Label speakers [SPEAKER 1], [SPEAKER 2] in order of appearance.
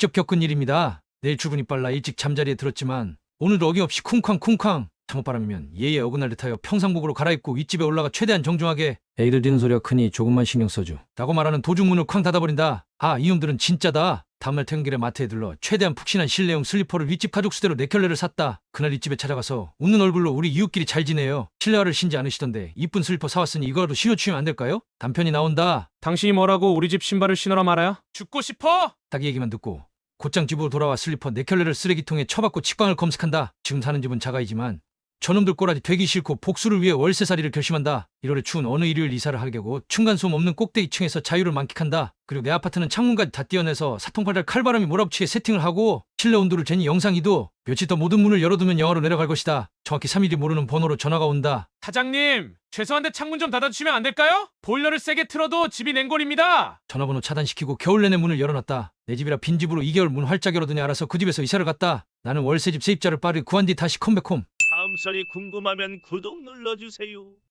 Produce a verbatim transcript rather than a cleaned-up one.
[SPEAKER 1] 직접 겪은 일입니다. 내일 출근이 빨라 일찍 잠자리에 들었지만 오늘도 어김없이 쿵쾅쿵쾅 잠옷바람이면 예의 어긋날 듯하여 평상복으로 갈아입고 윗집에 올라가 최대한 정중하게 애기들 뛰는 소리가 크니 조금만 신경 써줘 라고 말하는 도중 문을 쾅 닫아버린다. 아, 이놈들은 진짜다. 다음날 퇴근길에 마트에 들러 최대한 푹신한 실내용 슬리퍼를 윗집 가족 수대로 네 켤레를 샀다. 그날 윗집에 찾아가서 웃는 얼굴로 우리 이웃끼리 잘 지내요. 실내화를 신지 않으시던데 이쁜 슬리퍼 사왔으니 이거라도 신어주시면 안 될까요? 단편이 나온다.
[SPEAKER 2] 당신이 뭐라고 우리 집 신발을 신으라 말아야? 죽고 싶어?
[SPEAKER 1] 딱 이 얘기만 듣고 곧장 집으로 돌아와 슬리퍼 네 켤레를 쓰레기통에 쳐박고 직방을 검색한다. 지금 사는 집은 자가이지만 저놈들 꼬라지 되기 싫고 복수를 위해 월세살이를 결심한다. 일월에 추운 어느 일요일 이사를 하게 되고 층간소음 없는 꼭대기층에서 자유를 만끽한다. 그리고 내 아파트는 창문까지 다 띄어내서 사통팔달 칼바람이 몰아붙이게 세팅을 하고 실내 온도를 재니 영상이도 며칠 더 모든 문을 열어두면 영하로 내려갈 것이다. 정확히 삼 일이 모르는 번호로 전화가 온다.
[SPEAKER 2] 사장님, 죄송한데 창문 좀 닫아주시면 안 될까요? 보일러를 세게 틀어도 집이 냉골입니다.
[SPEAKER 1] 전화번호 차단시키고 겨울 내내 문을 열어놨다. 내 집이라 빈집으로 이 개월 문 활짝 열어두니 알아서 그 집에서 이사를 갔다. 나는 월세집 세입자를 빠르게 구한 뒤 다시 컴백홈.
[SPEAKER 3] 다음 설이 궁금하면 구독 눌러주세요.